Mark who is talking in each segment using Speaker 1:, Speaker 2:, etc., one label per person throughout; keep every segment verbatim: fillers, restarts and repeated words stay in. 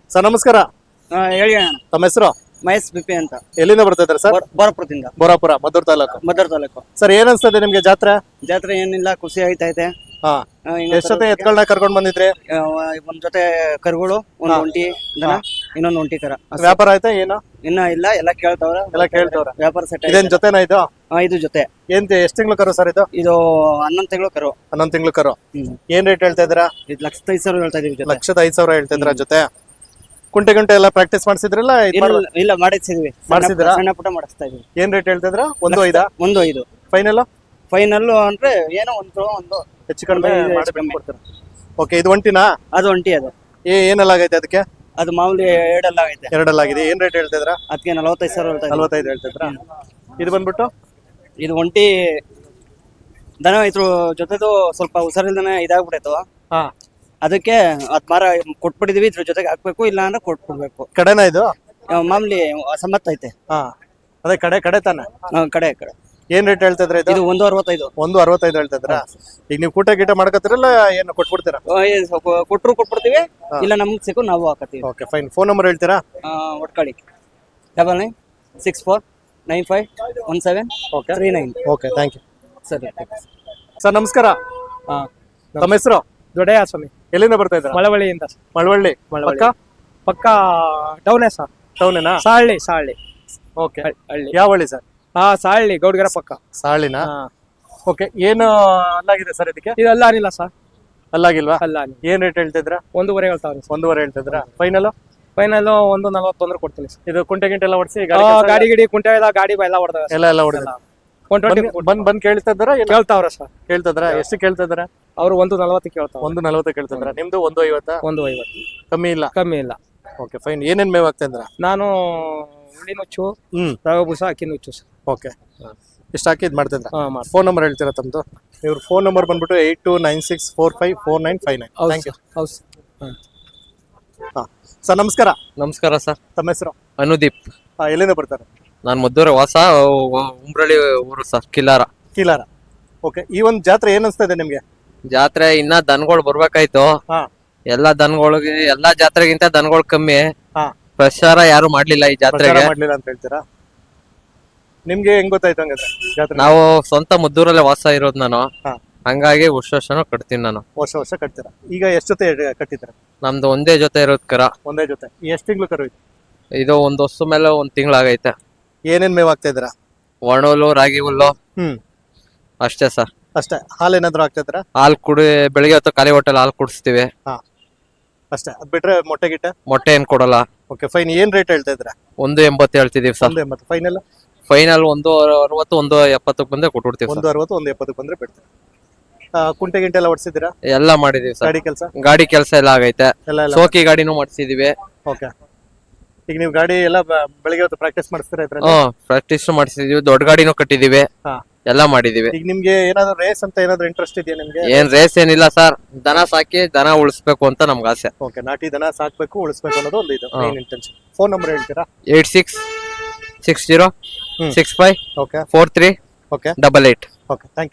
Speaker 1: Sir ನಮಸ್ಕಾರ.
Speaker 2: ಹಾ ಹೇಳಿ ಅಣ್ಣ.
Speaker 1: ತಮ್ಮ ಹೆಸರು?
Speaker 2: ಮಹೇಶ್ ಬಿಪಿ ಅಂತ.
Speaker 1: ಎಲ್ಲಿಂದ ಬರ್ತಾ ಇದ್ದಾರೆ ಸರ್?
Speaker 2: ಬೋರಪುರದಿಂದ.
Speaker 1: ಬೋರಾಪುರ, ಮದ್ದೂರು ತಾಲೂಕು.
Speaker 2: ಮದ್ದೂರು ತಾಲೂಕು.
Speaker 1: ಸರ್ ಏನ್ ಅನ್ಸ್ತದೆ ನಿಮ್ಗೆ ಜಾತ್ರೆ?
Speaker 2: ಜಾತ್ರೆ ಏನಿಲ್ಲ, ಖುಷಿ ಆಯ್ತೈತೆ.
Speaker 1: ಹಾ,
Speaker 2: ಆ, ಹಿಂಗೆ
Speaker 1: ಎಷ್ಟ್ ಜೊತೆ ಎತ್ಗಳನ್ನ ಕರ್ಕೊಂಡ್ ಬಂದಿದ್ರಿ?
Speaker 2: ಆ, ಒಂದ್ ಜೊತೆ ಕರುಗಳು, ಒಂದ್
Speaker 1: ಹಾ.
Speaker 2: ಒಂಟಿ ದನ, ಇನ್ನೊಂದ್ ಒಂಟಿ ಕರ. ಅಷ್ಟೇ.
Speaker 1: ವ್ಯಾಪಾರ ಆಯ್ತಾ ಏನು?
Speaker 2: ಇನ್ನ ಇಲ್ಲ, ಎಲ್ಲ ಕೇಳ್ತಾವ್ರ.
Speaker 1: ಎಲ್ಲ ಕೇಳ್ತವ್ರ.
Speaker 2: ವ್ಯಾಪಾರ ಸೆಟ್.
Speaker 1: ಇದೇನ್ ಜೊತೆನಾ ಇದು?
Speaker 2: ಇದು ಜೊತೆ.
Speaker 1: ಏನ್ ಎಷ್ಟ್ ತಿಂಗಳು ಕರು ಸರ್ ಇದು?
Speaker 2: ಇದು ಹನ್ನೊಂದು ತಿಂಗಳು ಕರು.
Speaker 1: ಹನ್ನೊಂದ್ ತಿಂಗಳು ಕರು.
Speaker 2: ಹ್ಮ್.
Speaker 1: ಏನ್ ರೇಟ್ ಹೇಳ್ತಾ ಇದ್ದೀರಾ?
Speaker 2: ಇದು ಲಕ್ಷದ ಐದು ಸಾವಿರ ಹೇಳ್ತಾ ಇದೀವಿ ಜೊತೆ.
Speaker 1: ಲಕ್ಷದ ಐದ್ ಸಾವಿರ ಹೇಳ್ತಾ ಇದ್ರ ಜೊತೆ. ಕುಂಟೆ ಗುಂಟೆ ಎಲ್ಲ ಪ್ರಾಕ್ಟೀಸ್ ಮಾಡಿಸಿದ್ರಲ್ಲ?
Speaker 2: ಇಲ್ಲ ಇಲ್ಲ, ಮಾಡಿಸಿದ್ವಿ.
Speaker 1: ಮಾಡ್ಸಿದ್ದೀರಾ?
Speaker 2: ಸಣ್ಣ ಪುಟ್ಟ ಮಾಡಿಸ್ತಾ ಇದೀವಿ.
Speaker 1: ಏನ್ ರೇಟ್ ಹೇಳ್ತಾ ಇದ್ರ? ಒಂದು ಐದಾ?
Speaker 2: ಒಂದು ಐದು
Speaker 1: ಫೈನಲ್?
Speaker 2: ಫೈನಲ್ ಅಂದ್ರೆ ಏನೋ ಒಂದು ಒಂದು
Speaker 1: ಹೆಚ್ಚು ಕಡಿಮೆ
Speaker 2: ಒಂದು ಐದು
Speaker 1: ಮಾಡಿ
Speaker 2: ಹೆಚ್ಚು ಕಡಿಮೆ.
Speaker 1: ಕೊಡ್ತೀರಾ? ಓಕೆ, ಇದು ಒಂಟಿನಾ?
Speaker 2: ಅದು ಒಂಟಿ. ಅದು
Speaker 1: ಏ ಏನೆಲ್ಲ ಆಗೈತೆ ಅದಕ್ಕೆ?
Speaker 2: ಅದು ಮಾಮೂಲಿ ಎರಡೆಲ್ಲ ಆಗೈತೆ.
Speaker 1: ಎರಡಲ್ಲ ಆಗಿದೆ. ಏನ್ ರೇಟ್ ಹೇಳ್ತಾ ಇದ್ರ?
Speaker 2: ಅದಕ್ಕೆ ನಲವತ್ತೈದು ಸಾವಿರ ಹೇಳ್ತಾ ಇದೀವಿ.
Speaker 1: ನಲ್ವತ್ತೈದು ಹೇಳ್ತಾ ಇದ್ರ. ಇದು ಬಂದ್ಬಿಟ್ಟು
Speaker 2: ಇದು ಒಂಟಿ ದನ ಇದ್ರ ಜೊತೆದು ಸ್ವಲ್ಪ ಹುಷಾರಿಲ್ದನೆ ಇದಾಗ್ಬಿಡೈತು.
Speaker 1: ಹಾ,
Speaker 2: ಅದಕ್ಕೆ ಅದ್ ಮಾರ ಕೊಟ್ಬಿಟ್ಟಿದೀವಿ. ಇದ್ರ ಜೊತೆಗೆ ಹಾಕ್ಬೇಕು, ಇಲ್ಲ ಅಂದ್ರೆ ಕೊಟ್ಬಿಡ್ಬೇಕು.
Speaker 1: ಕಡೆನಾ ಇದು?
Speaker 2: ಆ, ಮಾಮೂಲಿ ಸಮ್ಮತ್ ಐತೆ.
Speaker 1: ಹಾ, ಅದೇ ಕಡೆ ಕಡೆ ತಾನೆ.
Speaker 2: ಆ, ಕಡೆ ಕಡೆ.
Speaker 1: ಏನ್ ರೇಟ್ ಹೇಳ್ತಾ ಇದ್ರ ಇದು?
Speaker 2: ಇದು ಒಂದು ಅರವತ್ತೈದು.
Speaker 1: ಒಂದು ಅರವತ್ತೈದು ಹೇಳ್ತಾ ಇದ್ರ. ಈಗ ನೀವು ಕೂಟ ಗೀಟ ಮಾಡ್ಕತ್ತಿರಲ್ಲ, ಏನು ಕೊಟ್ಬಿಡ್ತೀರಾ?
Speaker 2: ಆ, ಇದು ಸ್ವಲ್ಪ ಕೊಟ್ರು ಕೊಟ್ಬಿಡ್ತೀವಿ, ಇಲ್ಲ ನಮ್ಗೆ ಸಿಕ್ಕು ನಾವು ಹಾಕತ್ತೀವಿ.
Speaker 1: Okay fine. ಫೋನ್ ನಂಬರ್ ಹೇಳ್ತೀರಾ?
Speaker 2: ಒಟ್ಕಳಿ double nine six four nine five one seven
Speaker 1: okay
Speaker 2: three nine.
Speaker 1: Okay, thank you
Speaker 2: ಸರಿ.
Speaker 1: ಸರ್. ನಮಸ್ಕಾರ.
Speaker 2: ಹಾ,
Speaker 1: ತಮ್ಮ ಹೆಸರು?
Speaker 2: ದೊಡ್ಡಯ್ಯ ಸ್ವಾಮಿ.
Speaker 1: ಎಲ್ಲಿಂದ ಬರ್ತಾ ಇದ್ರ?
Speaker 2: ಮಳವಳ್ಳಿಯಿಂದ.
Speaker 1: ಮಳವಳ್ಳಿ.
Speaker 2: ಮಳವಳ್ಳಿ.
Speaker 1: ಪಕ್ಕ
Speaker 2: ಪಕ್ಕ ಟೌನೇ ಸರ್.
Speaker 1: ಟೌನೇನಾ?
Speaker 2: ಸಾಳ್ಳಿ ಸಾಳ್ಳಿ
Speaker 1: ಓಕೆ.
Speaker 2: ಹಳ್ಳಿ.
Speaker 1: ಯಾವ ಹಳ್ಳಿ ಸರ್?
Speaker 2: ಹಾ, ಸಾಳ್ಳಿ ಗೌಡ್ಗೆರ ಪಕ್ಕ.
Speaker 1: ಸಾಳಿನಾ?
Speaker 2: ಹಾ.
Speaker 1: ಓಕೆ. ಏನು ಅಲ್ಲಾಗಿದೆ ಸರ್ ಇದಕ್ಕೆ?
Speaker 2: ಇದು ಅಲ್ಲಾನಿಲ್ಲ ಸರ್.
Speaker 1: ಅಲ್ಲಾಗಿಲ್ವಾ?
Speaker 2: ಅಲ್ಲಾನಿ.
Speaker 1: ಏನ್ ರೇಟ್ ಹೇಳ್ತಿದ್ರ?
Speaker 2: ಒಂದೂವರೆ ಹೇಳ್ತಾವ್ರಿ.
Speaker 1: ಒಂದೂವರೆ ಹೇಳ್ತಿದ್ರ. ಫೈನಲ್?
Speaker 2: ಫೈನಲ್ ಒಂದು ನಲವತ್ತೊಂದ್ರೆ ಕೊಡ್ತೀನಿ ಸರ್.
Speaker 1: ಇದು ಕುಂಟೆ ಗಿಂಟೆ ಎಲ್ಲ ಹೊಡ್ಸಿ
Speaker 2: ಆ, ಗಾಡಿ ಗಿಡಿ ಕುಂಟೆ ಎಲ್ಲ ಗಾಡಿ ಎಲ್ಲ ಹೊಡೆದ
Speaker 1: ಎಲ್ಲ ಎಲ್ಲ ಹೊಡೆದ
Speaker 2: ಒನ್ ಟ್ವೆಂಟಿ
Speaker 1: ಬಂದ್ ಬಂದ್ ಕೇಳ್ತಾ ಇದ್ದಾರ?
Speaker 2: ಕೇಳ್ತಾವ್ರ ಸರ್.
Speaker 1: ಕೇಳ್ತಿದ್ರ? ಎಷ್ಟು ಕೇಳ್ತಾ ಇದಾರ?
Speaker 2: ಅವ್ರು ಒಂದು ನಲವತ್ತು ಕೇಳ್ತಾವ.
Speaker 1: ಒಂದು ನಲವತ್ತು ಕೇಳ್ತಿದ್ರ. ನಿಮ್ದು ಒಂದು ಐವತ್ತಾ?
Speaker 2: ಒಂದು ಐವತ್ತು.
Speaker 1: ಕಮ್ಮಿ ಇಲ್ಲ?
Speaker 2: ಕಮ್ಮಿ ಇಲ್ಲ.
Speaker 1: Okay fine. ಏನೇನ್ ಮೇವ್ ಆಗ್ತಾ ಇದ್ರ?
Speaker 2: ನಾನು ಹುಳಿ ನುಚ್ಚು,
Speaker 1: ಹ್ಮ್.
Speaker 2: ರವೆ ಬೂಸ, ಅಕ್ಕಿ ನುಚ್ಚು ಸರ್.
Speaker 1: ಓಕೆ. ಇಷ್ಟ ಹಾಕಿ ಇದ್ ಮಾಡ್ತಿದ್ರ?
Speaker 2: ಹಾ, ಮಾಡಿ.
Speaker 1: ಫೋನ್ ನಂಬರ್ ಹೇಳ್ತೀರಾ ತಮ್ದು? ಇವ್ರ ಫೋನ್ ನಂಬರ್ ಬಂದ್ಬಿಟ್ಟು eight two nine six four five four nine five nine.
Speaker 2: ಹೌದು
Speaker 1: ಥ್ಯಾಂಕ್ ಯು.
Speaker 2: ಸರ್. ಹೌದು ಸರ್. ಹಾ.
Speaker 1: ಹಾ ಸರ್ ನಮಸ್ಕಾರ.
Speaker 3: ನಮಸ್ಕಾರ ಸರ್.
Speaker 1: ತಮ್ಮ ಹೆಸರು?
Speaker 3: ಅನುದೀಪ್.
Speaker 1: ಹಾ, ಎಲ್ಲಿಂದ ಬರ್ತಾರೆ?
Speaker 3: ನಾನು ಮದ್ದೂರು ವಾಸ, ಉಂಬ್ರಳ್ಳಿ ಊರು ಸರ್, ಕಿಲಾರ.
Speaker 1: ಕೀಲಾರ. ಓಕೆ. ಈ ಒಂದು ಜಾತ್ರೆ ಏನ್ ಅನ್ಸ್ತಾ ಇದೆ ನಿಮ್ಗೆ?
Speaker 3: ಜಾತ್ರೆ ಇನ್ನ ದನಗಳು ಬರ್ಬೇಕಾಯ್ತು.
Speaker 1: ಹಾ.
Speaker 3: ಎಲ್ಲಾ ದನಗಳಿಗೆ ಎಲ್ಲಾ ಜಾತ್ರೆಗಿಂತ ದನಗಳು ಕಮ್ಮಿ.
Speaker 1: ಹಾ.
Speaker 3: ಪ್ರಚಾರ ಯಾರು ಮಾಡ್ಲಿಲ್ಲ ಈ
Speaker 1: ಪ್ರಚಾರ
Speaker 3: ಜಾತ್ರೆಗೆ.
Speaker 1: ಮಾಡ್ಲಿಲ್ಲ ಅಂತ ಹೇಳ್ತೀರಾ? ನಿಮ್ಗೆ ಹೆಂಗ್ ಗೊತ್ತಾಯ್ತು ಹಂಗಾದ್ರೆ ಜಾತ್ರೆ?
Speaker 3: ನಾವು ಸ್ವಂತ ಮದ್ದೂರಲ್ಲೇ ವಾಸ ಇರೋದು ನಾನು.
Speaker 1: ಹಾ.
Speaker 3: ಹಂಗಾಗಿ ವರ್ಷ ವರ್ಷನೂ ಕಟ್ತೀನಿ ನಾನು.
Speaker 1: ವರ್ಷ ವರ್ಷ ಕಟ್ತೀರಾ? ಈಗ ಎಷ್ಟು ಜೊತೆ ಕಟ್ಟಿದ್ರ?
Speaker 3: ನಮ್ದು ಒಂದೇ ಜೊತೆ ಇರೋದ್ ಕರ.
Speaker 1: ಒಂದೇ ಜೊತೆ. ಎಷ್ಟ್ ತಿಂಗಳು ಕರು ಇದು?
Speaker 3: ಇದು ಒಂದ್ ವರ್ಷ ಮೇಲೆ ಒಂದ್ ತಿಂಗಳಾಗೈತೆ.
Speaker 1: ಏನೇನ್ ಮೇವ್ ಆಗ್ತಾ ಇದ್ರ?
Speaker 3: ಒಣ ಹುಲ್ಲು, ರಾಗಿ ಹುಲ್ಲು
Speaker 1: ಹ್ಮ್.
Speaker 3: ಅಷ್ಟೇ ಸರ್.
Speaker 1: ಅಷ್ಟೇ? ಹಾಲ್ ಏನಾದ್ರು ಆಗ್ತಾ ಇದ್ರ?
Speaker 3: ಹಾಲ್ ಕುಡಿ ಬೆಳಿಗ್ಗೆ ಹೊತ್ತು ಖಾಲಿ ಹೊಟ್ಟೆಲ್ ಹಾಲ್ ಕುಡಿಸ್ತೀವಿ.
Speaker 1: ಹಾ, ಅಷ್ಟೇ. ಅದ್ ಬಿಟ್ರೆ ಮೊಟ್ಟೆ ಗಿಟ್ಟೆ?
Speaker 3: ಮೊಟ್ಟೆ ಏನ್ ಕೊಡಲ್ಲ.
Speaker 1: Okay fine. ಏನ್ ರೇಟ್ ಹೇಳ್ತಾ ಇದ್ರ?
Speaker 3: ಒಂದು ಎಂಬತ್ತು ಹೇಳ್ತಿದೀವಿ ಸರ್.
Speaker 1: ಒಂದು ಎಂಬತ್ತು. ಫೈನಲ್?
Speaker 3: ಫೈನಲ್ ಒಂದು ಅರವತ್ತು, ಒಂದು ಎಪ್ಪತ್ತಕ್ಕೆ ಬಂದೆ ಕೊಟ್ಬಿಡ್ತೀವಿ
Speaker 1: ಒಂದು
Speaker 3: ಸರ್.
Speaker 1: ಅರವತ್ತು, ಒಂದು ಎಪ್ಪತ್ತಕ್ಕೆ ಬಂದ್ರೆ ಬಿಡ್ತೀರಾ? ಆ, ಕುಂಟೆ ಗಿಂಟೆ ಎಲ್ಲ ಹೊಡ್ಸಿದ್ದೀರಾ?
Speaker 3: ಎಲ್ಲ ಮಾಡಿದೀವಿ ಸರ್.
Speaker 1: ಗಾಡಿ ಕೆಲಸ
Speaker 3: ಗಾಡಿ ಕೆಲಸ ಎಲ್ಲ ಆಗೈತೆ.
Speaker 1: ಎಲ್ಲ ಎಲ್ಲ?
Speaker 3: ಸೋಕಿ ಗಾಡಿನೂ ಮಾಡಿಸಿದೀವಿ.
Speaker 1: ಓಕೆ. ಈಗ ನೀವು ಗಾಡಿ ಎಲ್ಲ ಬ- ಬೆಳಿಗ್ಗೆ ಹೊತ್ತು ಪ್ರಾಕ್ಟೀಸ್ ಮಾಡಿಸ್ತೀರಾ ಇದ್ರಲ್ಲಿ?
Speaker 3: ಹ್ಮ್ ಪ್ರಾಕ್ಟೀಸ್ ಮಾಡಿಸಿದೀವಿ. ದೊಡ್ಡ ಗಾಡಿನೂ ಕಟ್ಟಿದೀವಿ.
Speaker 1: ಹಾ.
Speaker 3: ಎಲ್ಲ ಮಾಡಿದೀವಿ.
Speaker 1: ಈಗ ನಿಮ್ಗೆ ಏನಾದ್ರು ರೇಸ್ ಅಂತ ಏನಾದ್ರು ಇಂಟ್ರೆಸ್ಟ್ ಇದೆಯಾ ನಿಮ್ಗೆ?
Speaker 3: ಏನ್ ರೇಸ್ ಏನಿಲ್ಲ ಸರ್. ದನ ಸಾಕಿ ದನ ಉಳಿಸ್ಬೇಕು ಅಂತ ನಮ್ಗೆ ಆಸೆ.
Speaker 1: ಓಕೆ. ನಾಟಿ ದನ ಸಾಕ್ಬೇಕು, ಉಳಿಸ್ಬೇಕು ಅನ್ನೋದು ಒಂದು ಇದು
Speaker 3: ಹಾ.
Speaker 1: Main intention. ಫೋನ್ ನಂಬರ್ ಹೇಳ್ತೀರಾ?
Speaker 3: Eight six six zero
Speaker 1: hmm.
Speaker 3: Six five
Speaker 1: okay.
Speaker 3: Four three
Speaker 1: okay.
Speaker 3: Double eight.
Speaker 1: Okay. Thank you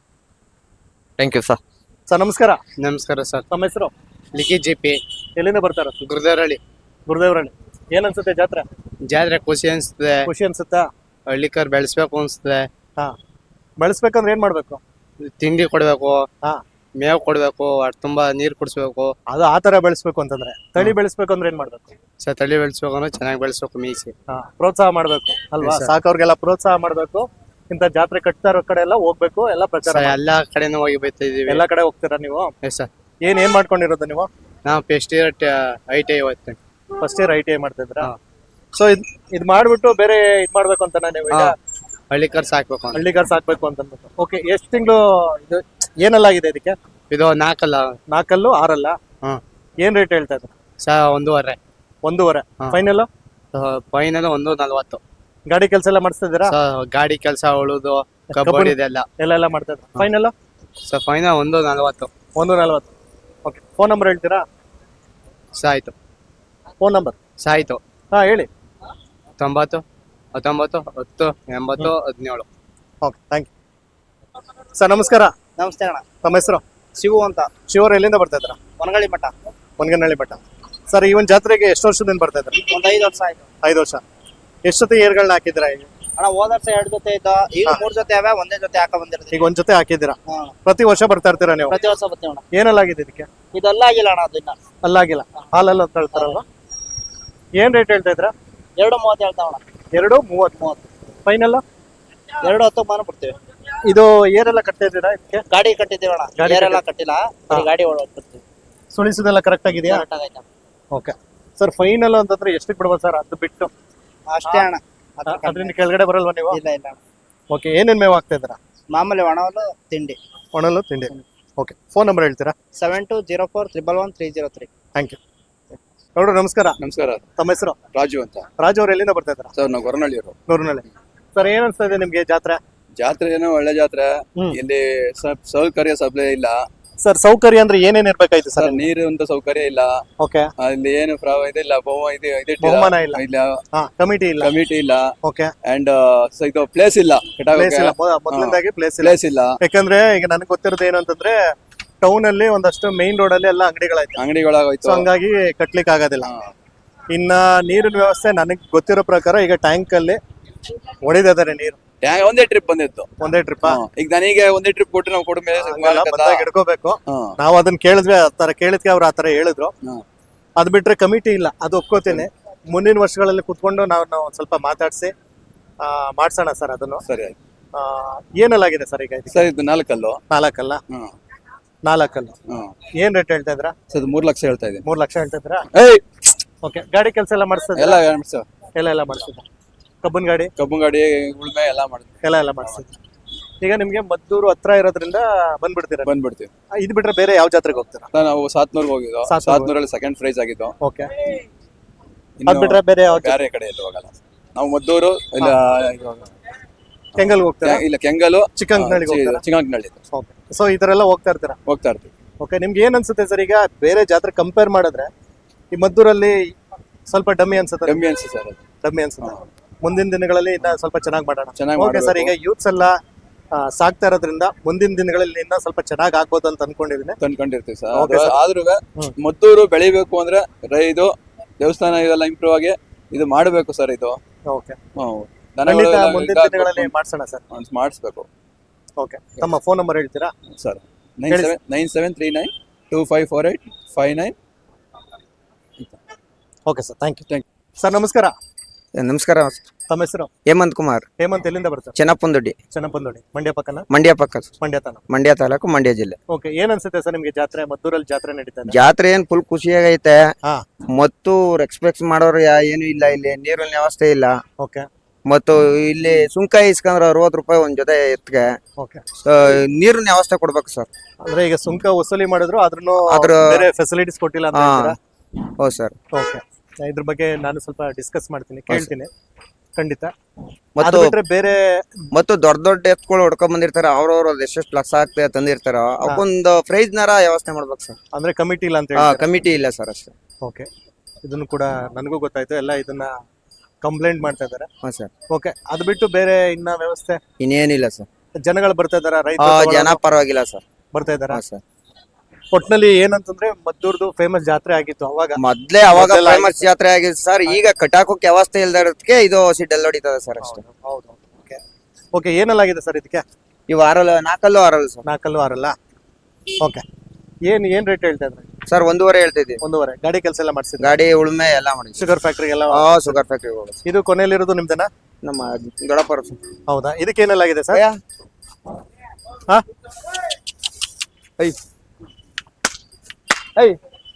Speaker 3: thank you sir.
Speaker 1: Sir ನಮಸ್ಕಾರ.
Speaker 2: ನಮಸ್ಕಾರ ಸರ್.
Speaker 1: ತಮ್ಮ ಹೆಸರು?
Speaker 2: ಲಿಖಿ ಜಿ ಪಿ,
Speaker 1: ಎಲ್ಲಿಂದ ಬರ್ತಾರ?
Speaker 2: ಗುರುದೇವರಹಳ್ಳಿ.
Speaker 1: ಗುರುದೇವರಳ್ಳಿ. ಏನ್ ಅನ್ಸುತ್ತೆ ಜಾತ್ರೆ?
Speaker 2: ಜಾತ್ರೆ ಖುಷಿ ಅನ್ಸ್ತದೆ.
Speaker 1: ಖುಷಿ ಅನ್ಸುತ್ತಾ?
Speaker 2: ಹಳ್ಳಿಕರ್ ಬೆಳೆಸ್ಬೇಕು ಅನ್ಸ್ತದೆ.
Speaker 1: ಹಾ. ಬೆಳೆಸ್ಬೇಕಂದ್ರೆ ಏನ್ ಮಾಡ್ಬೇಕು?
Speaker 2: ತಿಂಡಿ ಕೊಡ್ಬೇಕು,
Speaker 1: ಹಾ.
Speaker 2: ಮೇವ್ ಕೊಡ್ಬೇಕು, ಅಷ್ಟ್ ತುಂಬಾ ನೀರ್ ಕುಡಿಸ್ಬೇಕು.
Speaker 1: ಅದು ಆ ತರ ಬೆಳೆಸ್ಬೇಕು ಅಂತಂದ್ರೆ. ತಳಿ ಬೆಳೆಸ್ಬೇಕು ಅಂದ್ರೆ ಏನ್ ಮಾಡ್ಬೇಕು?
Speaker 2: ಸ ತಳಿ ಬೆಳೆಸ್ಬೇಕು ಅಂದ್ರೆ ಚೆನ್ನಾಗಿ ಬೆಳೆಸ್ಬೇಕು, ಮೀಸಿ.
Speaker 1: ಹಾ, ಪ್ರೋತ್ಸಾಹ ಮಾಡ್ಬೇಕು ಅಲ್ವಾ?
Speaker 2: Yes, sir.
Speaker 1: ಸಾಕವ್ರಿಗೆಲ್ಲ ಪ್ರೋತ್ಸಾಹ ಮಾಡ್ಬೇಕು. ಇಂತ ಜಾತ್ರೆ ಕಟ್ತಾ ಇರೋ ಕಡೆ ಎಲ್ಲ ಹೋಗ್ಬೇಕು, ಎಲ್ಲ ಪ್ರಚಾರ
Speaker 2: ಸ
Speaker 1: ಮಾಡ್ಬೇಕು.
Speaker 2: ಎಲ್ಲಾ ಕಡೆನೂ ಹೋಗಿ ಬೈತಾ ಇದೀವಿ.
Speaker 1: ಎಲ್ಲಾ ಕಡೆ ಹೋಗ್ತೀರಾ ನೀವು?
Speaker 2: Yes sir.
Speaker 1: ಏನ್ ಏನ್ ಮಾಡ್ಕೊಂಡಿರೋದು ನೀವು?
Speaker 2: ನಾವು first year I T I ಓದ್ತೇನೆ.
Speaker 1: First year I T I ಮಾಡ್ತಿದ್ರ?
Speaker 2: ಹಾ.
Speaker 1: ಸೊ ಇದ್ ಇದ್ ಮಾಡ್ಬಿಟ್ಟು ಬೇರೆ ಇದ್ ಮಾಡ್ಬೇಕು ಅಂತ ನೀವು ಈಗ?
Speaker 2: ಹಳ್ಳಿಕರ್ ಸಾಕ್ಬೇಕು ಅಂತ.
Speaker 1: ಹಳ್ಳಿಗಾರ್ ಸಾಕ್ಬೇಕು ಅಂತ ಅಂದ್ಬಿಟ್ಟು. ಓಕೆ. ಎಷ್ಟ್ ತಿಂಗಳು ಇದು ಏನೆಲ್ಲ ಆಗಿದೆ ಇದಕ್ಕೆ?
Speaker 2: ಇದು ನಾಲ್ಕಲ್ಲ.
Speaker 1: ನಾಲ್ಕಲ್ಲು ಆರಲ್ಲ?
Speaker 2: ಹ್ಮ್.
Speaker 1: ಏನ್ ರೇಟ್ ಹೇಳ್ತಾ ಇದ್ರು?
Speaker 2: ಸ ಒಂದೂವರೆ.
Speaker 1: ಒಂದೂವರೆ.
Speaker 2: ಹಾ.
Speaker 1: ಫೈನಲ್?
Speaker 2: ಫೈನಲ್ ಒಂದು ನಲ್ವತ್ತು.
Speaker 1: ಗಾಡಿ ಕೆಲಸ ಎಲ್ಲ ಮಾಡಿಸ್ತಾ ಇದ್ದೀರಾ?
Speaker 2: ಸ ಗಾಡಿ ಕೆಲಸ ಉಳುದು,
Speaker 1: ಕಬ್ಬಡಿ
Speaker 2: ಕಬಡ್ಡಿ ಇದೆಲ್ಲ.
Speaker 1: ಎಲ್ಲ ಎಲ್ಲ ಮಾಡ್ತಾ ಇದ್ರು. ಫೈನಲ್?
Speaker 2: ಸ ಫೈನಲ್ ಒಂದು ನಲ್ವತ್ತು.
Speaker 1: ಒಂದು ನಲ್ವತ್ತು. ಓಕೆ. ಫೋನ್ ನಂಬರ್ ಹೇಳ್ತೀರಾ?
Speaker 2: ಸಾಯ್ತು.
Speaker 1: Phone number?
Speaker 2: ಸಾಯ್ತು.
Speaker 1: ಹಾ ಹೇಳಿ.
Speaker 2: ತೊಂಬತ್ತು ಹತ್ತೊಂಬತ್ತು ಹತ್ತು ಎಂಬತ್ತು ಹದಿನೇಳು.
Speaker 1: ಓಕೆ. Thank you sir. ನಮಸ್ಕಾರ.
Speaker 2: ನಮಸ್ತೆ ಅಣ್ಣ.
Speaker 1: ತಮ್ಮ ಹೆಸರು?
Speaker 2: ಶಿವು ಅಂತ.
Speaker 1: ಶಿವರು ಎಲ್ಲಿಂದ ಬರ್ತಾ ಇದ್ರ?
Speaker 2: ಒನಗಳಿ ಮಠ.
Speaker 1: ಒನಗನಹಳ್ಳಿ ಮಠ. ಸರ್ ಈ ಒಂದು ಜಾತ್ರೆಗೆ ಎಷ್ಟು ವರ್ಷದಿಂದ ಬರ್ತಾ ಇದ್ದಾರೆ?
Speaker 2: ಒಂದ್ ಐದು ವರ್ಷ ಆಯ್ತು
Speaker 1: ಐದು ವರ್ಷ. ಎಷ್ಟು ಜೊತೆ ಏರ್ಗಳನ್ನ ಹಾಕಿದ್ದೀರಾ ಈಗ?
Speaker 2: ಅಣ್ಣ. ಹೋದ ವರ್ಷ ಎರಡು ಜೊತೆ ಇತ್ತು, ಈಗ
Speaker 1: ಹಾ.
Speaker 2: ಮೂರ್ ಜೊತೆ ಅವೆ, ಒಂದೇ ಜೊತೆ ಹಾಕ ಬಂದಿರ್ತೀವಿ.
Speaker 1: ಈಗ ಒಂದ್ ಜೊತೆ ಹಾಕಿದ್ದೀರಾ?
Speaker 2: ಹಾ.
Speaker 1: ಪ್ರತಿ ವರ್ಷ ಬರ್ತಾ ಇರ್ತೀರಾ ನೀವು?
Speaker 2: ಪ್ರತಿ ವರ್ಷ ಬರ್ತೀವಿ ಅಣ್ಣ.
Speaker 1: ಏನಲ್ಲಾಗಿದೆ ಇದಕ್ಕೆ?
Speaker 2: ಇದೆಲ್ಲ ಆಗಿಲ್ಲ ಅಣ್ಣ, ಅದು ಇನ್ನ
Speaker 1: ಅಲ್ಲಾಗಿಲ್ಲ, ಹಾಲಲ್ಲ ಅಂತ ಹೇಳ್ತಾರಲ್ವಾ? ಏನ್ ರೇಟ್ ಹೇಳ್ತಾ ಇದ್ರ?
Speaker 2: ಎರಡು ಮೂವತ್ತು ಹೇಳ್ತಾವಣ.
Speaker 1: ಎರಡು ಮೂವತ್ತು ಮೂವತ್ತು ಫೈನಲ್.
Speaker 2: ಎರಡು ಹತ್ತು ಮಾನ ಬಿಡ್ತೀವಿ.
Speaker 1: ಇದು ಏರೆಲ್ಲ ಕಟ್ತಾ ಇದ್ದೀರಾ ಇದಕ್ಕೆ?
Speaker 2: ಗಾಡಿ ಕಟ್ಟಿದ್ದೀವಿ ಅಣ್ಣ,
Speaker 1: ಗಾಡಿ
Speaker 2: ಬೇರೆಲ್ಲ ಕಟ್ಟಿಲ್ಲ, ಬರೀ ಗಾಡಿ ಒಳಗೆ ಕಟ್ತೀವಿ.
Speaker 1: ಸುಳಿಸೋದೆಲ್ಲ ಕರೆಕ್ಟ್ ಆಗಿದೆಯಾ?
Speaker 2: ಕರೆಕ್ಟ್ ಆಗೈತೆ.
Speaker 1: ಓಕೆ ಸರ್, ಫೈನಲ್ ಅಂತಂದ್ರೆ ಎಷ್ಟಕ್ಕೆ ಬಿಡ್ಬೋದು ಸರ್? ಅದು ಬಿಟ್ಟು
Speaker 2: ಅಷ್ಟೇ ಅಣ್ಣ, ಅದ್ರ ಕಮ್ಮಿ.
Speaker 1: ಅದರಿಂದ ಕೆಳಗಡೆ ಬರಲ್ವಾ ನೀವು?
Speaker 2: ಇಲ್ಲ ಇಲ್ಲ ಅಣ್ಣ.
Speaker 1: ಓಕೆ, ಏನೇನ್ ಮೇವು ಆಗ್ತಾ ಇದ್ದೀರಾ?
Speaker 2: ಮಾಮೂಲಿ ಒಣವಲು ತಿಂಡಿ.
Speaker 1: ಒಣಲು ತಿಂಡಿ. ಓಕೆ, ಫೋನ್ ನಂಬರ್ ಹೇಳ್ತೀರಾ?
Speaker 2: Seven two zero four triple one three zero three.
Speaker 1: Thank you. ನೋಡ್ರಿ, ನಮಸ್ಕಾರ.
Speaker 4: ನಮಸ್ಕಾರ.
Speaker 1: ತಮ್ಮ ಹೆಸರು?
Speaker 4: ರಾಜು ಅಂತ.
Speaker 1: ರಾಜು ಅವ್ರು ಎಲ್ಲಿಂದ ಬರ್ತಾ ಇದ್ದೀರಾ?
Speaker 4: ಸರ್ ನಾವು ಗೊರನಹಳ್ಳಿಯವರು.
Speaker 1: ನೂರಿನಲ್ಲಿ. ಸರ್ ಏನ್ ಅನ್ಸ್ತಾ ಇದೆ ನಿಮ್ಗೆ ಜಾತ್ರೆ?
Speaker 4: ಜಾತ್ರೆ ಏನೋ ಒಳ್ಳೆ ಜಾತ್ರೆ.
Speaker 1: ಹ್ಮ್.
Speaker 4: ಇಲ್ಲಿ ಸ- ಸೌಕರ್ಯ ಸಪ್ಲೈ ಇಲ್ಲ
Speaker 1: ಸರ್ ಸೌಕರ್ಯ ಅಂದ್ರೆ ಏನೇನ್ ಇರ್ಬೇಕಾಯ್ತು
Speaker 4: ಸರ್.
Speaker 1: ಸರ್?
Speaker 4: ನೀರು ಅಂತ ಸೌಕರ್ಯ ಇಲ್ಲ.
Speaker 1: ಓಕೆ,
Speaker 4: ಅಲ್ಲಿ ಏನು ಪ್ರ- ಇದಿಲ್ಲ, ಬಹು ಇದು
Speaker 1: ಬಹುಮಾನ ಇಲ್ಲ.
Speaker 4: ಇಲ್ಲ,
Speaker 1: ಹಾ, ಕಮಿಟಿ ಇಲ್ಲ.
Speaker 4: ಕಮಿಟಿ ಇಲ್ಲ,
Speaker 1: ಓಕೆ,
Speaker 4: ಅಂಡ್ ಇದು ಪ್ಲೇಸ್ ಇಲ್ಲ,
Speaker 1: ಪ್ಲೇಸ್ ಇಲ್ಲ. ಮೊದ- ಮೊದಲನೇದಾಗಿ ಪ್ಲೇಸ್ ಇಲ್ಲ.
Speaker 4: ಪ್ಲೇಸ್ ಇಲ್ಲ.
Speaker 1: ಯಾಕಂದ್ರೆ ಈಗ ನನಗೆ ಗೊತ್ತಿರೋದು ಏನು ಅಂತಂದ್ರೆ ಟೌನ್ ಅಲ್ಲಿ ಒಂದಷ್ಟು ಮೇನ್ ರೋಡ್ ಅಲ್ಲಿ ಎಲ್ಲ ಅಂಗಡಿಗಳಾಯ್ತು. ಸೊ
Speaker 4: ಅಂಗಡಿಗಳಾಗೋಯ್ತು.
Speaker 1: ಹಂಗಾಗಿ ಕಟ್ಲಿಕ್ಕೆ ಆಗೋದಿಲ್ಲ.
Speaker 4: ಹಾ.
Speaker 1: ಇನ್ನ ನೀರಿನ ವ್ಯವಸ್ಥೆ ನನಗೆ ಗೊತ್ತಿರೋ ಪ್ರಕಾರ ಈಗ ಟ್ಯಾಂಕ್ ಅಲ್ಲಿ ಹೊಡಿದಿದ್ದಾರೆ ನೀರು.
Speaker 4: ಟ್ಯಾಂಕ್ ಒಂದೇ ಟ್ರಿಪ್ ಬಂದಿತ್ತು.
Speaker 1: ಒಂದೇ ಟ್ರಿಪ್.
Speaker 4: ಹಾ. ಈಗ ನನಗೆ ಒಂದೇ ಟ್ರಿಪ್ ಕೊಟ್ಟು ನಾವು ಕೊಡ ಮೇಲೆ
Speaker 1: ಬಂದಾಗ ಹಿಡ್ಕೋಬೇಕು. ನಾವು ಅದನ್ನ ಕೇಳಿದ್ವಿ, ಆತರ ಕೇಳಿದ್ಕೆ ಅವ್ರು ಆತರ ಹೇಳಿದ್ರು. ಅದ್ ಬಿಟ್ರೆ ಕಮಿಟಿ ಇಲ್ಲ, ಅದು ಒಪ್ಕೋತೀನಿ. ಮುಂದಿನ ವರ್ಷಗಳಲ್ಲಿ ಕುತ್ಕೊಂಡು ನಾವು ನಾವು ಒಂದ್ ಸ್ವಲ್ಪ ಮಾತಾಡ್ಸಿ ಆ, ಮಾಡ್ಸೋಣ ಸರ್ ಅದನ್ನು.
Speaker 4: ಸರಿ ಆಯ್ತು.
Speaker 1: ಆ, ಏನಲ್ಲಾಗಿದೆ ಸರ್ ಈಗ ಇದಕ್ಕೆ?
Speaker 4: ಸರ್ ಇದು ನಾಲ್ಕಲ್ಲು.
Speaker 1: ನಾಲ್ಕಲ್ಲ?
Speaker 4: ಹ್ಮ್
Speaker 1: ನಾಲ್ಕಲ್ಲ.
Speaker 4: ಹ್ಮ್
Speaker 1: ಏನ್ ರೇಟ್ ಹೇಳ್ತಾ ಇದ್ರ?
Speaker 4: ಸರ್ ಇದು ಮೂರ್ ಲಕ್ಷ ಹೇಳ್ತಾ ಇದ್ದೀನಿ.
Speaker 1: ಮೂರ್ ಲಕ್ಷ ಹೇಳ್ತಾ ಇದ್ರ?
Speaker 4: ಏಯ್
Speaker 1: ಓಕೆ, ಗಾಡಿ ಕೆಲಸ ಎಲ್ಲ ಮಾಡಿಸ್ತದ?
Speaker 4: ಎಲ್ಲ ಸರ್
Speaker 1: ಎಲ್ಲ ಎಲ್ಲ ಮಾಡಿಸಿದ. ಕಬ್ಬನ್ ಗಾಡಿ
Speaker 4: ಕಬ್ಬು ಗಾಡಿ ಉಳ್ಮೆ ಎಲ್ಲ ಮಾಡ್ತೀವಿ.
Speaker 1: ಎಲ್ಲ ಎಲ್ಲ ಮಾಡಿಸಿದ. ಈಗ ನಿಮ್ಗೆ ಮದ್ದೂರು ಹತ್ರ ಇರೋದ್ರಿಂದ ಬಂದ್ಬಿಡ್ತೀರ.
Speaker 4: ಬಂದ್ಬಿಡ್ತೀವಿ.
Speaker 1: ಇದು ಬಿಟ್ರೆ ಬೇರೆ ಯಾವ ಜಾತ್ರೆಗೆ ಹೋಗ್ತೀರಾ?
Speaker 4: ಸರ್ ನಾವು ಸಾತ್ನೂರ್ಗೆ ಹೋಗಿದ್ದು.
Speaker 1: ಸಾತ್ನೂರು.
Speaker 4: ಸಾತ್ನೂರಲ್ಲಿ ಸೆಕೆಂಡ್ ಪ್ರೈಸ್ ಆಗಿದ್ದು.
Speaker 1: ಓಕೆ,
Speaker 4: ಇನ್ನು
Speaker 1: ಅದ್ ಬಿಟ್ರೆ ಬೇರೆ ಯಾವ
Speaker 4: ಬೇರೆ ಕಡೆ ಎಲ್ಲೂ ಹೋಗಲ್ಲ. ನಾವು ಮದ್ದೂರು ಇಲ್ಲ
Speaker 1: ಕೆಂಗಲ್ ಹೋಗ್ತೀರಾ?
Speaker 4: ಇಲ್ಲ ಕೆಂಗಲು,
Speaker 1: ಚಿಕ್ಕಂಕನಳ್ಳಿಗೆ ಹೋಗ್ತೀರಾ?
Speaker 4: ಚಿಕ್ಕಂಕನಳ್ಳಿ
Speaker 1: ಓಕೆ, ಸೊ ಈ ತರ ಎಲ್ಲ ಹೋಗ್ತಾ ಇರ್ತೀರಾ?
Speaker 4: ಹೋಗ್ತಾ ಇರ್ತೀವಿ.
Speaker 1: ಓಕೆ, ನಿಮ್ಗೆ ಏನ್ ಅನ್ಸುತ್ತೆ ಸರ್ ಈಗ ಬೇರೆ ಜಾತ್ರೆ ಕಂಪೇರ್ ಮಾಡಿದ್ರೆ ಈ ಮದ್ದೂರಲ್ಲಿ ಸ್ವಲ್ಪ ಡಮ್ಮಿ ಅನ್ಸುತ್ತೆ?
Speaker 4: ಕಮ್ಮಿ ಅನ್ಸುತ್ತೆ ಸರ್ ಅದು.
Speaker 1: ಡಮ್ಮಿ ಅನ್ಸುತ್ತೆ. ಮುಂದಿನ ದಿನಗಳಲ್ಲಿ ಇನ್ನ ಸ್ವಲ್ಪ ಚೆನ್ನಾಗಿ ಮಾಡೋಣ.
Speaker 4: ಚೆನ್ನಾಗ್
Speaker 1: ಓಕೆ ಸರ್, ಈಗ
Speaker 4: ಮಾಡ್ಬೇಕು.
Speaker 1: ಯೂತ್ಸ್ ಎಲ್ಲ ಆ, ಸಾಕ್ತಾ ಇರೋದ್ರಿಂದ ಮುಂದಿನ ದಿನಗಳಲ್ಲಿ ಇನ್ನ ಸ್ವಲ್ಪ ಚೆನ್ನಾಗಿ ಆಗ್ಬೋದು ಅಂತ ಅನ್ಕೊಂಡಿದೀನಿ.
Speaker 4: ತಂದ್ಕೊಂಡಿರ್ತೀವಿ ಸರ್.
Speaker 1: Okay, sir.
Speaker 4: ಆದ್ರೂ
Speaker 1: ಹ್ಮ್.
Speaker 4: ಮದ್ದೂರು ಬೆಳಿಬೇಕು ಅಂದ್ರೆ ರ- ಇದು ದೇವಸ್ಥಾನ ಇದೆಲ್ಲ ಇಂಪ್ರೂವ್ ಆಗಿ ಇದು ಮಾಡಬೇಕು ಸರ್. ಇದು
Speaker 1: ಓಕೆ,
Speaker 4: ಹ್ಮ್.
Speaker 1: ಖಂಡಿತ
Speaker 4: ದನಗಳೆಲ್ಲ
Speaker 1: ಮುಂದಿನ
Speaker 4: ಇದಾಗ್ಬೇಕು,
Speaker 1: ದಿನಗಳಲ್ಲಿ ಮಾಡ್ಸೋಣ ಸರ್.
Speaker 4: ಮಾಡಿಸ್ಬೇಕು
Speaker 1: ಓಕೆ, ತಮ್ಮ ಫೋನ್ ನಂಬರ್ ಹೇಳ್ತೀರಾ?
Speaker 4: ಸರ್. ನೈನ್
Speaker 1: ಹೇಳಿ
Speaker 4: seven nine seven three nine two five four eight five nine.
Speaker 1: Okay sir, thank you.
Speaker 4: Thank
Speaker 1: sir ನಮಸ್ಕಾರ.
Speaker 5: ನಮಸ್ಕಾರ.
Speaker 1: ತಮ್ಮ ಹೆಸರು?
Speaker 5: ಹೇಮಂತ್ ಕುಮಾರ್,
Speaker 1: ಹೇಮಂತ್. ಎಲ್ಲಿಂದ ಬರ್ತಾರೆ?
Speaker 5: ಚೆನ್ನಪ್ಪನದೊಡ್ಡಿ,
Speaker 1: ಚೆನ್ನಪ್ಪನದೊಡ್ಡಿ. ಮಂಡ್ಯ ಪಕ್ಕನ?
Speaker 5: ಮಂಡ್ಯ ಪಕ್ಕ,
Speaker 1: ಮಂಡ್ಯ ತಾನ?
Speaker 5: ಮಂಡ್ಯ ತಾಲೂಕು, ಮಂಡ್ಯ ಜಿಲ್ಲೆ.
Speaker 1: ಓಕೆ, ಏನ್ ಅನ್ಸುತ್ತೆ ಸರ್ ನಿಮ್ಗೆ ಜಾತ್ರೆ? ಮದ್ದೂರಲ್ಲಿ ಜಾತ್ರೆ ನಡೀತಾ ಇದೆ.
Speaker 5: ಜಾತ್ರೆ ಏನ್ ಫುಲ್ ಖುಷಿಯಾಗೈತೆ.
Speaker 1: ಹಾ.
Speaker 5: ಮತ್ತು ಎಕ್ಸ್ಪೆಕ್ಟ್ ಮಾಡೋರು ಯಾ- ಏನು ಇಲ್ಲ, ಇಲ್ಲಿ ನೀರಿನ ವ್ಯವಸ್ಥೆ ಇಲ್ಲ.
Speaker 1: ಓಕೆ,
Speaker 5: ಮತ್ತು ಇಲ್ಲಿ ಸುಂಕ ಇಸ್ಕೊಂಡ್ರೆ ಅರವತ್ತು ರೂಪಾಯಿ ಒಂದ್ ಜೊತೆ ಎತ್ಗೆ.
Speaker 1: ಓಕೆ.
Speaker 5: ನೀರಿನ ವ್ಯವಸ್ಥೆ ಕೊಡ್ಬೇಕು ಸರ್.
Speaker 1: ಅಂದ್ರೆ ಈಗ ಸುಂಕ ವಸೂಲಿ ಮಾಡಿದ್ರು ಆದ್ರೂ
Speaker 5: ಅದ್ರ-
Speaker 1: ಬೇರೆ ಫೆಸಿಲಿಟೀಸ್ ಕೊಟ್ಟಿಲ್ಲ ಅಂತ
Speaker 5: ಹಾ.
Speaker 1: ಹೇಳ್ತೀರಾ?
Speaker 5: ಹೌದು ಸರ್.
Speaker 1: ಓಕೆ, ಇದ್ರ ಬಗ್ಗೆ ನಾನು ಸ್ವಲ್ಪ ಡಿಸ್ಕಸ್ ಮಾಡ್ತೀನಿ, ಕೇಳ್ತೀನಿ ಖಂಡಿತ. ಅದು
Speaker 5: ಮತ್ತು
Speaker 1: ಬಿಟ್ರೆ ಬೇರೆ
Speaker 5: ಮತ್ತು ದೊಡ್ಡ ದೊಡ್ಡ ಎತ್ಗಳು ಹೊಡ್ಕೊಂಡ್ ಬಂದಿರ್ತಾರ, ಅವ್ರವ್ರ ಎಷ್ಟೆಷ್ಟು ಲಕ್ಷ ಆಗ್ತದೆ ತಂದಿರ್ತಾರ, ಅವಕ್ಕೊಂದು ಪ್ರೈಸ್ ನಾರ ವ್ಯವಸ್ಥೆ ಮಾಡ್ಬೇಕು ಸರ್.
Speaker 1: ಅಂದ್ರೆ ಕಮಿಟಿ ಇಲ್ಲ ಅಂತ
Speaker 5: ಹಾ,
Speaker 1: ಹೇಳಿ.
Speaker 5: ಕಮಿಟಿ ಇಲ್ಲ ಸರ್ ಅಷ್ಟೇ.
Speaker 1: ಓಕೆ, ಇದನ್ನು ಕೂಡ ನನಗೂ ಗೊತ್ತಾಯ್ತು. ಎಲ್ಲ ಇದನ್ನ ಕಂಪ್ಲೇಂಟ್ ಮಾಡ್ತಾ ಇದ್ದಾರೆ.
Speaker 5: ಹಾ ಸರ್.
Speaker 1: ಓಕೆ, ಅದು ಬಿಟ್ಟು ಬೇರೆ ಇನ್ನ ವ್ಯವಸ್ಥೆ?
Speaker 5: ಇನ್ನೇನಿಲ್ಲ ಸರ್.
Speaker 1: ಜನಗಳು ಬರ್ತಾ ಇದಾರ?
Speaker 5: ಆ,
Speaker 1: ರೈತರು
Speaker 5: ಜನ ಪರವಾಗಿಲ್ಲ ಸರ್.
Speaker 1: ಬರ್ತಾ ಇದಾರ?
Speaker 5: ಹಾ ಸರ್.
Speaker 1: ಒಟ್ನಲ್ಲಿ ಏನಂತಂದ್ರೆ ಮದ್ದೂರ್ದು ಫೇಮಸ್ ಜಾತ್ರೆ ಆಗಿತ್ತು ಅವಾಗ.
Speaker 5: ಮೊದ್ಲೇ ಅವಾಗ
Speaker 1: ಮೊದ್ಲೆಲ್ಲ
Speaker 5: ಫೇಮಸ್ ಜಾತ್ರೆ ಆಗಿದೆ ಸರ್. ಈಗ ಕಟಾಕೋಕ್ ವ್ಯವಸ್ಥೆ ಇಲ್ದ ಇರೋದಕ್ಕೆ ಇದು ಸಿಡ್ಡಲ್ಲಿ ಹೊಡಿತದೆ ಸರ್ ಅಷ್ಟೇ.
Speaker 1: ಹೌದು. ಓಕೆ, ಓಕೆ, ಏನಲ್ಲಾಗಿದೆ ಸರ್ ಇದಕ್ಕೆ?
Speaker 5: ಇವು ಆರಲ್ಲ, ನಾಲ್ಕಲ್ಲು ಆರಲ್ಲ ಸರ್.
Speaker 1: ನಾಲ್ಕಲ್ಲು ಆರಲ್ಲ? ಓಕೆ, ಏನ್ ಏನ್ ರೇಟ್ ಹೇಳ್ತಾ ಇದ್ರಿ?
Speaker 5: ಸರ್ ಒಂದೂವರೆ ಹೇಳ್ತಿದ್ವಿ.
Speaker 1: ಒಂದೂವರೆ. ಗಾಡಿ ಕೆಲಸ ಎಲ್ಲ ಮಾಡಿಸಿದ್ರಿ?
Speaker 5: ಗಾಡಿ ಉಳುಮೆ ಎಲ್ಲ ಮಾಡಿ.
Speaker 1: ಶುಗರ್ ಫ್ಯಾಕ್ಟ್ರಿ ಎಲ್ಲ?
Speaker 5: ಹಾ, ಶುಗರ್ ಫ್ಯಾಕ್ಟ್ರಿ ಹೋಗೋದು.
Speaker 1: ಇದು ಕೊನೆಯಲ್ಲಿರೋದು ನಿಮ್ದನ?
Speaker 5: ನಮ್ಮ ದೊಡ್ಡಪ್ಪರ.
Speaker 1: ಹೌದಾ? ಇದಕ್ಕೆ ಏನೆಲ್ಲಾಗಿದೆ ಸರ್? ಹಾ, ಐ ಐ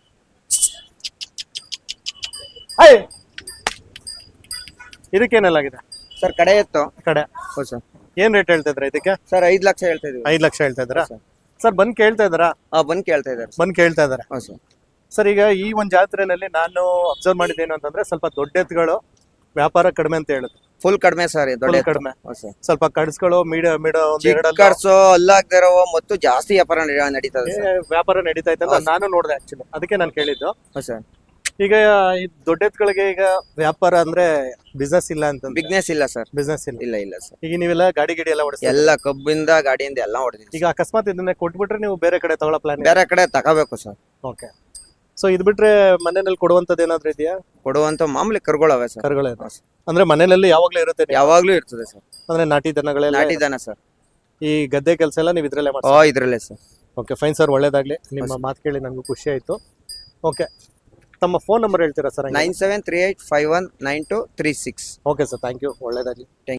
Speaker 1: ಐ ಇದಕ್ಕೇನೆಲ್ಲಾಗಿದೆ
Speaker 5: ಸರ್ ಕಡೆ ಇತ್ತು
Speaker 1: ಕಡೆ?
Speaker 5: ಹೌದು ಸರ್.
Speaker 1: ಏನ್ ರೇಟ್ ಹೇಳ್ತಾ ಇದ್ರ ಇದಕ್ಕೆ?
Speaker 5: ಸರ್ ಐದ್ ಲಕ್ಷ ಹೇಳ್ತಾ ಇದೀವಿ.
Speaker 1: ಐದ್ ಲಕ್ಷ ಹೇಳ್ತಾ ಇದ್ರ ಸರ್? ಬಂದ್ ಕೇಳ್ತಾ ಇದ್ದಾರಾ?
Speaker 5: ಹಾ, ಬಂದ್ ಕೇಳ್ತಾ ಇದಾರೆ.
Speaker 1: ಬಂದ್ ಕೇಳ್ತಾ ಇದಾರೆ.
Speaker 5: ಹೌದು ಸರ್.
Speaker 1: ಸರ್, ಈಗ ಈ ಒಂದ್ ಜಾತ್ರೆನಲ್ಲಿ ನಾನು ಅಬ್ಸರ್ವ್ ಮಾಡಿದ್ದೇನು ಅಂತಂದ್ರೆ ಸ್ವಲ್ಪ ದೊಡ್ಡ ಎತ್ತುಗಳು ವ್ಯಾಪಾರ ಕಡಿಮೆ ಅಂತ ಹೇಳುದು.
Speaker 5: ಫುಲ್ ಕಡಿಮೆ ಸರ್. ದೊಡ್ಡ
Speaker 1: Full
Speaker 5: ಎತ್ತು.
Speaker 1: ಕಡಿಮೆ.
Speaker 5: ಹೌದು ಸರ್.
Speaker 1: ಸ್ವಲ್ಪ ಕಡಿಸ್ಗಳು ಮೀಡ ಮೀಡ ಒಂದ್
Speaker 5: ಚಿಕ್ಕ
Speaker 1: ಎರಡಲ್ಲ
Speaker 5: ಕರ್ಸು ಅಲ್ಲಾಗ್ದಿರೋ ಮತ್ತು ಜಾಸ್ತಿ ವ್ಯಾಪಾರ ನಡಿ- ನಡೀತದೆ
Speaker 1: ಏ,
Speaker 5: ಸರ್.
Speaker 1: ವ್ಯಾಪಾರ ನಡೀತಾ ಇತ್ತಲ್ಲ, ನಾನು ನೋಡಿದೆ ಆಕ್ಚುಲಿ, ಅದಕ್ಕೆ ನಾನು ಕೇಳಿದ್ದು.
Speaker 5: ಹೌದು ಸರ್.
Speaker 1: ಈಗ ಈ ದೊಡ್ಡ ಎತ್ತುಗಳಿಗೆ ಈಗ ವ್ಯಾಪಾರ ಅಂದ್ರೆ ಬಿಸ್ನೆಸ್ ಇಲ್ಲ ಅಂತ?
Speaker 5: ಬಿಸ್ನೆಸ್ ಇಲ್ಲ ಸರ್.
Speaker 1: ಬಿಸ್ನೆಸ್ ಇಲ್ಲ.
Speaker 5: ಇಲ್ಲ ಇಲ್ಲ ಸರ್.
Speaker 1: ಈಗ ನೀವೆಲ್ಲ ಗಾಡಿ ಗಿಡಿ ಎಲ್ಲ ಓಡಿಸ್ತೀರಾ?
Speaker 5: ಎಲ್ಲ ಕಬ್ಬಿಂದ ಗಾಡಿಯಿಂದ ಎಲ್ಲ ಹೊಡೆದಿವಿ.
Speaker 1: ಈಗ ಅಕಸ್ಮಾತ್ ಇದನ್ನ ಕೊಟ್ಬಿಟ್ರೆ ನೀವು ಬೇರೆ ಕಡೆ ತಗೊಳ್ಳೋ ಪ್ಲಾನ್?
Speaker 5: ಬೇರೆ ಕಡೆ ತಗೋಬೇಕು ಸರ್.
Speaker 1: ಓಕೆ, ಸೊ ಇದು ಬಿಟ್ರೆ ಮನೆಯಲ್ಲಿ ಕೊಡುವಂತದ್ದು ಏನಾದ್ರು ಇದೆಯಾ?
Speaker 5: ಕೊಡುವಂತ ಮಾಮೂಲಿ ಕರುಗಳವೆ ಸರ್.
Speaker 1: ಕರುಗಳೇ ಅಂದ್ರೆ ಮನೆಯಲ್ಲಿ ಯಾವಾಗ್ಲೂ ಇರುತ್ತೆ ನೀವು?
Speaker 5: ಯಾವಾಗ್ಲೂ ಇರ್ತದೆ ಸರ್.
Speaker 1: ಅಂದ್ರೆ ನಾಟಿ ದನಗಳೆಲ್ಲ
Speaker 5: ನಾಟಿ ದನ ಸರ್.
Speaker 1: ಈ ಗದ್ದೆ ಕೆಲಸ ಎಲ್ಲ ನೀವು ಇದ್ರಲ್ಲೇ
Speaker 5: ಓ
Speaker 1: ಮಾಡ್ತೀರಾ?
Speaker 5: ಇದ್ರಲ್ಲೇ ಸರ್.
Speaker 1: ಓಕೆ ಫೈನ್ ಸರ್, ಒಳ್ಳೇದಾಗ್ಲಿ. ನಿಮ್ಮ ಮಾತು ಕೇಳಿ ನನಗೂ ಖುಷಿ ಆಯ್ತು. ಓಕೆ, ತಮ್ಮ ಫೋನ್ ನಂಬರ್ ಹೇಳ್ತೀರಾ sir?
Speaker 5: Nine seven three eight five one nine two three six.
Speaker 1: Okay sir, thank you, ಒಳ್ಳೇದಾಗ್ಲಿ.